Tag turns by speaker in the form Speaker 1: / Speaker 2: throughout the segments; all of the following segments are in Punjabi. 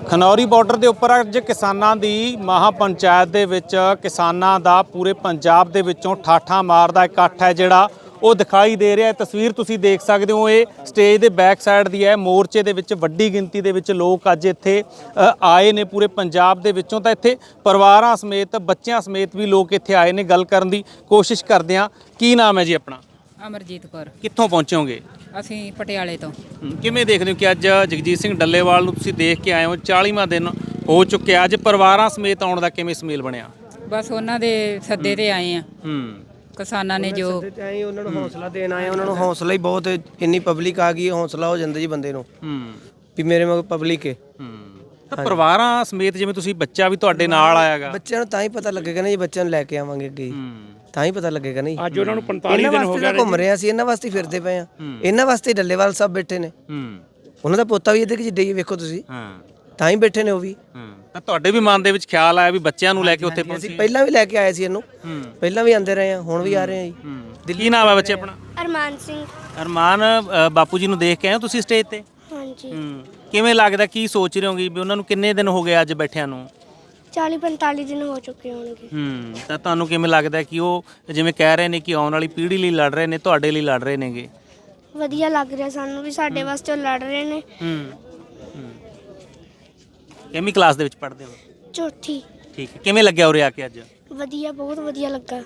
Speaker 1: ਖਨੌਰੀ ਬਾਰਡਰ ਦੇ ਉੱਪਰ ਅੱਜ ਕਿਸਾਨਾਂ ਦੀ ਮਹਾ ਪੰਚਾਇਤ ਦੇ ਵਿੱਚ ਕਿਸਾਨਾਂ ਦਾ ਪੂਰੇ ਪੰਜਾਬ ਦੇ ਵਿੱਚੋਂ ਠਾਠਾਂ ਮਾਰਦਾ ਇਕੱਠ ਹੈ ਜਿਹੜਾ ਉਹ ਦਿਖਾਈ ਦੇ ਰਿਹਾ ਹੈ। ਤਸਵੀਰ ਤੁਸੀਂ ਦੇਖ ਸਕਦੇ ਹੋ, ਇਹ ਸਟੇਜ ਦੇ ਬੈਕ ਸਾਈਡ ਦੀ ਹੈ। ਮੋਰਚੇ ਦੇ ਵਿੱਚ ਵੱਡੀ ਗਿਣਤੀ ਦੇ ਵਿੱਚ ਲੋਕ ਅੱਜ ਇੱਥੇ ਆਏ ਨੇ ਪੂਰੇ ਪੰਜਾਬ ਦੇ ਵਿੱਚੋਂ। ਤਾਂ ਇੱਥੇ ਪਰਿਵਾਰਾਂ ਸਮੇਤ ਬੱਚਿਆਂ ਸਮੇਤ ਵੀ ਲੋਕ ਇੱਥੇ ਆਏ ਨੇ। ਗੱਲ ਕਰਨ ਦੀ ਕੋਸ਼ਿਸ਼ ਕਰਦੇ ਹਾਂ। ਕੀ ਨਾਮ ਹੈ ਜੀ ਆਪਣਾ?
Speaker 2: ਅਮਰਜੀਤ ਕੌਰ।
Speaker 1: ਕਿੱਥੋਂ ਪਹੁੰਚੇ ਹੋਗੇ?
Speaker 2: ਅਸੀਂ ਪਟਿਆਲੇ ਤੋਂ।
Speaker 1: ਕਿਵੇਂ ਦੇਖਦੇ ਹੋ ਕਿ ਅੱਜ ਜਗਜੀਤ ਸਿੰਘ ਡੱਲੇਵਾਲ ਨੂੰ ਤੁਸੀਂ ਦੇਖ ਕੇ ਆਏ ਹੋ, 40ਵਾਂ ਦਿਨ ਹੋ ਚੁੱਕਿਆ, ਅੱਜ ਪਰਿਵਾਰਾਂ ਸਮੇਤ ਆਉਣ ਦਾ ਕਿਵੇਂ ਸੁਮੇਲ ਬਣਿਆ?
Speaker 2: ਬਸ ਉਹਨਾਂ ਦੇ ਸੱਦੇ ਤੇ ਆਏ ਆ। ਕਿਸਾਨਾਂ ਨੇ ਜੋ
Speaker 3: ਉਹਨਾਂ ਨੂੰ ਹੌਸਲਾ ਦੇਣ ਆਏ, ਉਹਨਾਂ ਨੂੰ ਹੌਸਲਾ ਹੀ ਬਹੁਤ, ਇੰਨੀ ਪਬਲਿਕ ਆ ਗਈ, ਹੌਸਲਾ ਹੋ ਜਾਂਦਾ ਜੀ ਬੰਦੇ ਨੂੰ ਵੀ ਮੇਰੇ ਮਗਰ ਪਬਲਿਕ ਹੈ।
Speaker 1: ਤਾਂ ਪਰਿਵਾਰਾਂ ਸਮੇਤ ਜਿਵੇਂ ਤੁਸੀਂ, ਬੱਚਾ ਵੀ ਤੁਹਾਡੇ ਨਾਲ ਆਇਆਗਾ,
Speaker 3: ਬੱਚਿਆਂ ਨੂੰ ਤਾਂ ਹੀ ਪਤਾ ਲੱਗੇਗਾ ਨਾ ਜੀ, ਬੱਚਿਆਂ ਨੂੰ ਲੈ ਕੇ ਆਵਾਂਗੇ ਅੱਗੇ ਤਾਂ ਹੀ ਪਤਾ ਲੱਗੇਗਾ ਨਹੀਂ।
Speaker 4: ਅੱਜ ਉਹਨਾਂ ਨੂੰ 45 ਦਿਨ ਹੋ ਗਏ
Speaker 3: ਘੁੰਮ ਰਹੇ ਸੀ, ਇਹਨਾਂ ਵਾਸਤੇ ਫਿਰਦੇ ਪਏ ਆ, ਇਹਨਾਂ ਵਾਸਤੇ ਡੱਲੇਵਾਲ ਸਾਹਿਬ ਬੈਠੇ ਨੇ। ਉਹਨਾਂ ਦਾ ਪੋਤਾ ਵੀ ਇਹਦੇ ਕਿ ਜਿੱਡੇ ਹੀ ਵੇਖੋ ਤੁਸੀਂ, ਤਾਂ ਹੀ ਬੈਠੇ ਨੇ ਉਹ ਵੀ।
Speaker 1: ਤਾਂ ਤੁਹਾਡੇ ਵੀ ਮਨ ਦੇ ਵਿੱਚ ਖਿਆਲ ਆਇਆ ਵੀ ਬੱਚਿਆਂ ਨੂੰ ਲੈ ਕੇ ਉੱਥੇ ਪਹੁੰਚੀ?
Speaker 3: ਪਹਿਲਾਂ ਵੀ ਲੈ ਕੇ ਆਏ ਸੀ ਇਹਨੂੰ, ਪਹਿਲਾਂ ਵੀ ਆਂਦੇ ਰਹੇ ਆ, ਹੁਣ ਵੀ ਆ ਰਹੇ ਆ ਜੀ।
Speaker 1: ਕੀ ਨਾਮ ਹੈ ਬੱਚੇ ਆਪਣਾ?
Speaker 5: ਅਰਮਾਨ ਸਿੰਘ।
Speaker 1: ਅਰਮਾਨ, ਬਾਪੂ ਜੀ ਨੂੰ ਦੇਖ ਕੇ ਆਏ ਹੋ ਤੁਸੀਂ ਸਟੇਜ ਤੇ?
Speaker 5: ਹਾਂਜੀ।
Speaker 1: ਕਿਵੇਂ ਲੱਗਦਾ, ਕੀ ਸੋਚ ਰਹੇ ਹੋਗੇ ਵੀ ਉਹਨਾਂ ਨੂੰ ਕਿੰਨੇ ਦਿਨ ਹੋ ਗਏ ਅੱਜ ਬੈਠਿਆਂ ਨੂੰ?
Speaker 5: 40-45 ਦਿਨ ਹੋ ਚੁੱਕੇ ਹੋਣਗੇ।
Speaker 1: ਤਾਂ ਤੁਹਾਨੂੰ ਕਿਵੇਂ ਲੱਗਦਾ ਕਿ ਉਹ ਜਿਵੇਂ ਕਹਿ ਰਹੇ ਨੇ ਕਿ ਆਉਣ ਵਾਲੀ ਪੀੜ੍ਹੀ ਲਈ ਲੜ ਰਹੇ ਨੇ, ਤੁਹਾਡੇ ਲਈ ਲੜ ਰਹੇ ਨੇਗੇ?
Speaker 5: ਵਧੀਆ ਲੱਗ ਰਿਹਾ ਸਾਨੂੰ ਵੀ, ਸਾਡੇ ਵਾਸਤੇ ਉਹ ਲੜ ਰਹੇ ਨੇ।
Speaker 1: ਕਿੰਨੀ ਕਲਾਸ ਦੇ ਵਿੱਚ ਪੜ੍ਹਦੇ ਹੋ?
Speaker 5: ਚੌਥੀ।
Speaker 1: ਠੀਕ ਹੈ। ਕਿਵੇਂ ਲੱਗਿਆ ਉਰੇ ਆ ਕੇ ਅੱਜ?
Speaker 5: ਵਧੀਆ, ਬਹੁਤ ਵਧੀਆ ਲੱਗਾ।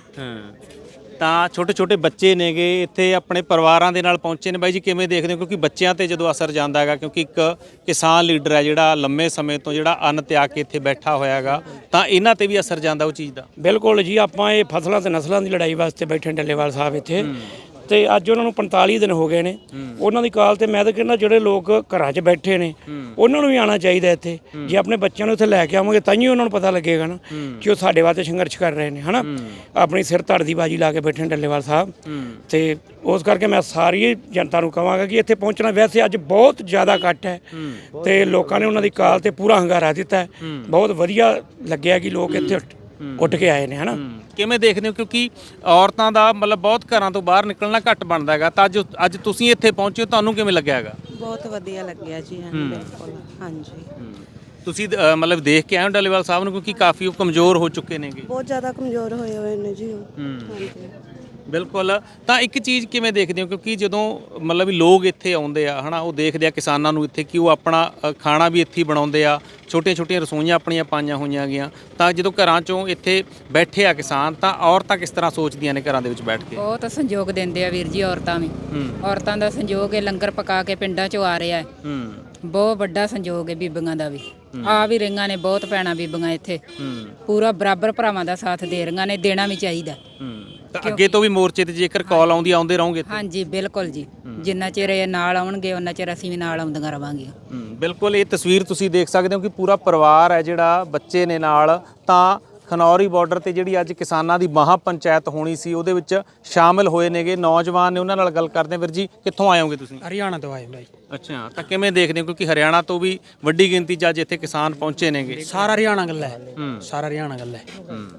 Speaker 1: ਤਾਂ ਛੋਟੇ ਛੋਟੇ ਬੱਚੇ ਨੇਗੇ ਇੱਥੇ ਆਪਣੇ ਪਰਿਵਾਰਾਂ ਦੇ ਨਾਲ ਪਹੁੰਚੇ ਨੇ। ਬਾਈ ਜੀ ਕਿਵੇਂ ਦੇਖਦੇ ਹੋ? ਕਿਉਂਕਿ ਬੱਚਿਆਂ ਤੇ ਜਦੋਂ ਅਸਰ ਜਾਂਦਾ ਹੈਗਾ, ਕਿਉਂਕਿ ਇੱਕ ਕਿਸਾਨ ਲੀਡਰ ਹੈ ਜਿਹੜਾ ਲੰਮੇ ਸਮੇਂ ਤੋਂ ਜਿਹੜਾ ਅੰਨ ਤਿਆਗ ਕੇ ਇੱਥੇ ਬੈਠਾ ਹੋਇਆ ਹੈਗਾ, ਤਾਂ ਇਹਨਾਂ ਤੇ ਵੀ ਅਸਰ ਜਾਂਦਾ ਉਹ ਚੀਜ਼ ਦਾ?
Speaker 4: ਬਿਲਕੁਲ ਜੀ, ਆਪਾਂ ਇਹ ਫਸਲਾਂ ਤੇ ਨਸਲਾਂ ਦੀ ਲੜਾਈ ਵਾਸਤੇ ਬੈਠੇ ਡੱਲੇਵਾਲ ਸਾਹਿਬ ਇੱਥੇ, ਤੇ ਅੱਜ ਉਹਨਾਂ ਨੂੰ 45 ਦਿਨ ਹੋ ਗਏ ਨੇ। ਉਹਨਾਂ ਦੀ ਕਾਲ ਤੇ ਮੈਂ ਤਾਂ ਕਹਿੰਦਾ ਜਿਹੜੇ ਲੋਕ ਘਰਾਂ 'ਚ ਬੈਠੇ ਨੇ ਉਹਨਾਂ ਨੂੰ ਵੀ ਆਉਣਾ ਚਾਹੀਦਾ ਇੱਥੇ। ਜੇ ਆਪਣੇ ਬੱਚਿਆਂ ਨੂੰ ਇੱਥੇ ਲੈ ਕੇ ਆਵਾਂਗੇ ਤਾਂ ਹੀ ਉਹਨਾਂ ਨੂੰ ਪਤਾ ਲੱਗੇਗਾ ਨਾ ਕਿ ਉਹ ਸਾਡੇ ਵਾਸਤੇ ਸੰਘਰਸ਼ ਕਰ ਰਹੇ ਨੇ, ਹਨਾ। ਆਪਣੀ ਸਿਰ ਧੜ ਦੀ ਬਾਜੀ ਲਾ ਕੇ ਬੈਠੇ ਨੇ ਡੱਲੇਵਾਲ ਸਾਹਿਬ, ਤੇ ਉਸ ਕਰਕੇ ਮੈਂ ਸਾਰੀ ਜਨਤਾ ਨੂੰ ਕਹਾਂਗਾ ਕਿ ਇੱਥੇ ਪਹੁੰਚਣਾ। ਵੈਸੇ ਅੱਜ ਬਹੁਤ ਜ਼ਿਆਦਾ ਇਕੱਠ ਹੈ ਤੇ ਲੋਕਾਂ ਨੇ ਉਹਨਾਂ ਦੀ ਕਾਲ ਤੇ ਪੂਰਾ ਹੰਗਾਰਾ ਦਿੱਤਾ। ਬਹੁਤ ਵਧੀਆ ਲੱਗਿਆ ਕਿ ਲੋਕ ਇੱਥੇ ਉੱਠ ਕੇ ਆਏ ਨੇ, ਹਨਾ।
Speaker 1: ਕਿਵੇਂ ਦੇਖਦੇ ਹੋ? ਕਿਉਂਕਿ ਔਰਤਾਂ ਦਾ ਮਤਲਬ ਬਹੁਤ ਘਰਾਂ ਤੋਂ ਬਾਹਰ ਨਿਕਲਣਾ ਘੱਟ ਬਣਦਾ ਹੈਗਾ, ਤਾਂ ਅੱਜ ਤੁਸੀਂ ਇੱਥੇ ਪਹੁੰਚੇ ਹੋ, ਤੁਹਾਨੂੰ ਕਿਵੇਂ ਲੱਗਿਆ ਹੈਗਾ?
Speaker 6: ਬਹੁਤ ਵਧੀਆ ਲੱਗਿਆ ਜੀ। ਬਿਲਕੁਲ, ਹਾਂਜੀ।
Speaker 1: ਤੁਸੀਂ ਮਤਲਬ ਦੇਖ ਕੇ ਆਏ ਹੋ ਡੱਲੇਵਾਲ ਸਾਹਿਬ ਨੂੰ, ਕਿਉਂਕਿ ਕਾਫੀ ਉਹ ਕਮਜ਼ੋਰ ਹੋ ਚੁੱਕੇ ਨੇਗੇ?
Speaker 6: ਬਹੁਤ ਜ਼ਿਆਦਾ ਕਮਜ਼ੋਰ ਹੋਏ ਹੋਏ ਨੇ ਜੀ ਉਹ। ਹਾਂਜੀ
Speaker 1: ਬਿਲਕੁਲ। ਤਾਂ ਇੱਕ ਚੀਜ਼ ਕਿਵੇਂ ਦੇਖਦੇ ਹੋ? ਕਿਉਂਕਿ ਜਦੋਂ ਮਤਲਬ ਵੀ ਲੋਕ ਇੱਥੇ ਆਉਂਦੇ ਆ, ਹਨਾ, ਉਹ ਦੇਖਦੇ ਆ ਕਿਸਾਨਾਂ ਨੂੰ ਇੱਥੇ ਕਿ ਉਹ ਆਪਣਾ ਖਾਣਾ ਵੀ ਇੱਥੇ ਬਣਾਉਂਦੇ ਆ, ਛੋਟੀਆਂ ਛੋਟੀਆਂ ਰਸੋਈਆਂ ਆਪਣੀਆਂ ਪਾਈਆਂ ਹੋਈਆਂ ਗਈਆਂ। ਤਾਂ ਜਦੋਂ ਘਰਾਂ 'ਚੋਂ ਇੱਥੇ ਬੈਠੇ ਆ ਕਿਸਾਨ, ਤਾਂ ਔਰਤਾਂ ਕਿਸ ਤਰ੍ਹਾਂ ਸੋਚਦੀਆਂ ਨੇ ਘਰਾਂ ਦੇ ਵਿੱਚ ਬੈਠ ਕੇ?
Speaker 2: ਬਹੁਤ ਸਹਿਯੋਗ ਦਿੰਦੇ ਆ ਵੀਰ ਜੀ, ਔਰਤਾਂ ਵੀ। ਔਰਤਾਂ ਦਾ ਸਹਿਯੋਗ ਹੈ, ਲੰਗਰ ਪਕਾ ਕੇ ਪਿੰਡਾਂ 'ਚੋਂ ਆ ਰਿਹਾ ਹੈ। ਬਹੁਤ ਵੱਡਾ ਸਹਿਯੋਗ ਹੈ ਬੀਬੀਆਂ ਦਾ ਵੀ। ਆ ਵੀ ਰਹੀਆਂ ਨੇ ਬਹੁਤ ਭੈਣਾਂ ਬੀਬੀਆਂ ਇੱਥੇ, ਪੂਰਾ ਬਰਾਬਰ ਭਰਾਵਾਂ ਦਾ ਸਾਥ ਦੇ ਰਹੀਆਂ ਨੇ, ਦੇਣਾ ਵੀ ਚਾਹੀਦਾ।
Speaker 1: ਤਾਂ ਅੱਗੇ ਤੋਂ ਵੀ ਮੋਰਚੇ ਤੇ ਜੇਕਰ ਕਾਲ ਆਉਂਦੀ ਆਉਂਦੇ ਰਹੋਗੇ?
Speaker 2: ਹਾਂਜੀ ਬਿਲਕੁਲ ਜੀ, ਜਿੰਨਾ ਚਿਰ ਇਹ ਨਾਲ ਆਉਣਗੇ ਉਹਨਾਂ ਚਿਰ ਅਸੀਂ ਵੀ ਨਾਲ ਆਉਂਦੀਆਂ ਰਵਾਂਗੀਆਂ।
Speaker 1: ਬਿਲਕੁਲ। ਇਹ ਤਸਵੀਰ ਤੁਸੀਂ ਦੇਖ ਸਕਦੇ ਹੋ ਕਿ ਪੂਰਾ ਪਰਿਵਾਰ ਹੈ ਜਿਹੜਾ, ਬੱਚੇ ਨੇ ਨਾਲ। ਤਾਂ ਖਨੌਰੀ ਬਾਰਡਰ ਤੇ ਜਿਹੜੀ ਅੱਜ ਕਿਸਾਨਾਂ ਦੀ ਮਹਾ ਪੰਚਾਇਤ ਹੋਣੀ ਸੀ, ਉਹਦੇ ਵਿੱਚ ਸ਼ਾਮਿਲ ਹੋਏ ਨੇਗੇ ਨੌਜਵਾਨ ਨੇ। ਉਹਨਾਂ ਨਾਲ ਗੱਲ ਕਰਦੇ ਹਾਂ। ਵੀਰ ਜੀ ਕਿੱਥੋਂ ਆਏ ਹੋਗੇ ਤੁਸੀਂ?
Speaker 4: ਹਰਿਆਣਾ ਤੋਂ ਆਏ ਬਾਈ।
Speaker 1: ਅੱਛਾ। ਤਾਂ ਕਿਵੇਂ ਦੇਖਦੇ ਹੋ? ਕਿਉਂਕਿ ਹਰਿਆਣਾ ਤੋਂ ਵੀ ਵੱਡੀ ਗਿਣਤੀ 'ਚ ਅੱਜ ਇੱਥੇ ਕਿਸਾਨ ਪਹੁੰਚੇ ਨੇਗੇ।
Speaker 4: ਸਾਰਾ ਹਰਿਆਣਾ ਗੱਲ ਹੈ, ਸਾਰਾ ਹਰਿਆਣਾ ਗੱਲ ਹੈ।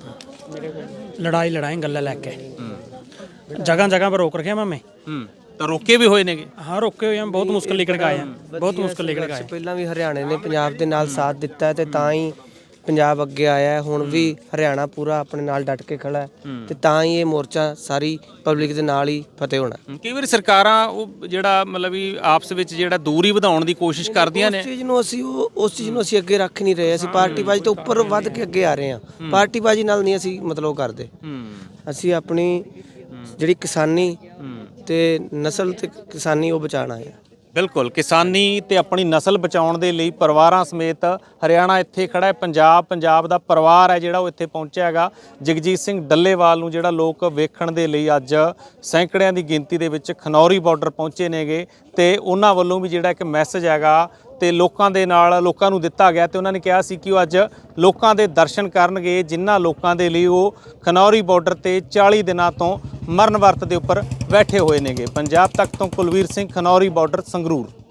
Speaker 4: ਲੜਾਈ ਗੱਲਾਂ ਲੈ ਕੇ ਜਗ੍ਹਾ ਜਗ੍ਹਾ ਪਰ ਰੋਕ ਰੱਖਿਆ ਮੈਂ।
Speaker 1: ਤਾਂ ਰੋਕੇ ਵੀ ਹੋਏ ਨੇਗੇ?
Speaker 4: ਹਾਂ, ਰੋਕੇ ਹੋਏ ਆ। ਬਹੁਤ ਮੁਸ਼ਕਲ ਨਿਕਲ ਕੇ ਆਏ ਆ, ਬਹੁਤ ਮੁਸ਼ਕਲ ਨਿਕਲ ਕੇ ਆਏ।
Speaker 3: ਪਹਿਲਾਂ ਵੀ ਹਰਿਆਣੇ ਨੇ ਪੰਜਾਬ ਦੇ ਨਾਲ ਸਾਥ ਦਿੱਤਾ ਤੇ ਤਾਂ ਹੀ ਪੰਜਾਬ ਅੱਗੇ ਆਇਆ। ਹੁਣ ਵੀ ਹਰਿਆਣਾ ਪੂਰਾ ਆਪਣੇ ਨਾਲ ਡਟ ਕੇ ਖੜਾ ਹੈ ਤੇ ਤਾਂ ਹੀ ਇਹ ਮੋਰਚਾ ਸਾਰੀ ਪਬਲਿਕ ਦੇ ਨਾਲ ਹੀ ਫਤਿਹ ਹੋਣਾ।
Speaker 1: ਕਈ ਵਾਰੀ ਸਰਕਾਰਾਂ ਉਹ ਜਿਹੜਾ ਮਤਲਬ ਵੀ ਆਪਸ ਵਿੱਚ ਜਿਹੜਾ ਦੂਰੀ ਵਧਾਉਣ ਦੀ ਕੋਸ਼ਿਸ਼ ਕਰਦੀਆਂ ਨੇ।
Speaker 3: ਉਸ ਚੀਜ਼ ਨੂੰ ਅਸੀਂ ਅੱਗੇ ਰੱਖ ਨਹੀਂ ਰਹੇ। ਅਸੀਂ ਪਾਰਟੀਬਾਜ਼ੀ ਤੋਂ ਉੱਪਰ ਵੱਧ ਕੇ ਅੱਗੇ ਆ ਰਹੇ ਹਾਂ। ਪਾਰਟੀਬਾਜ਼ੀ ਨਾਲ ਨਹੀਂ ਅਸੀਂ ਮਤਲਬ ਕਰਦੇ। ਅਸੀਂ ਆਪਣੀ ਜਿਹੜੀ ਕਿਸਾਨੀ ਤੇ ਨਸਲ ਤੇ ਕਿਸਾਨੀ ਉਹ ਬਚਾਉਣਾ ਹੈ।
Speaker 1: ਬਿਲਕੁਲ। ਕਿਸਾਨੀ ਤੇ ਆਪਣੀ ਨਸਲ ਬਚਾਉਣ ਦੇ ਲਈ ਪਰਿਵਾਰਾਂ ਸਮੇਤ ਹਰਿਆਣਾ ਇੱਥੇ ਖੜਾ ਹੈ। ਪੰਜਾਬ ਦਾ ਪਰਿਵਾਰ ਹੈ ਜਿਹੜਾ ਉਹ ਇੱਥੇ ਪਹੁੰਚਿਆ ਹੈਗਾ। ਜਗਜੀਤ ਸਿੰਘ ਡੱਲੇਵਾਲ ਨੂੰ ਜਿਹੜਾ ਲੋਕ ਵੇਖਣ ਦੇ ਲਈ ਅੱਜ ਸੈਂਕੜਿਆਂ ਦੀ ਗਿਣਤੀ ਦੇ ਵਿੱਚ ਖਨੌਰੀ ਬਾਰਡਰ ਪਹੁੰਚੇ ਨੇਗੇ, ਤੇ ਉਹਨਾਂ ਵੱਲੋਂ ਵੀ ਜਿਹੜਾ ਇੱਕ ਮੈਸੇਜ ਹੈਗਾ ਤੇ ਲੋਕਾਂ ਦੇ ਨਾਲ ਲੋਕਾਂ ਨੂੰ ਦਿੱਤਾ ਗਿਆ। ਤੇ ਉਹਨਾਂ ਨੇ ਕਿਹਾ ਸੀ ਕਿ ਉਹ ਅੱਜ ਲੋਕਾਂ ਦੇ ਦਰਸ਼ਨ ਕਰਨਗੇ, ਜਿਨ੍ਹਾਂ ਲੋਕਾਂ ਦੇ ਲਈ ਉਹ ਖਨੌਰੀ ਬਾਰਡਰ ਤੇ 40 ਦਿਨਾਂ ਤੋਂ ਮਰਨ ਵਰਤ ਦੇ ਉੱਪਰ ਬੈਠੇ ਹੋਏ ਨੇਗੇ। ਪੰਜਾਬ ਤੱਕ ਤੋਂ ਕੁਲਵੀਰ ਸਿੰਘ, ਖਨੌਰੀ ਬਾਰਡਰ, ਸੰਗਰੂਰ।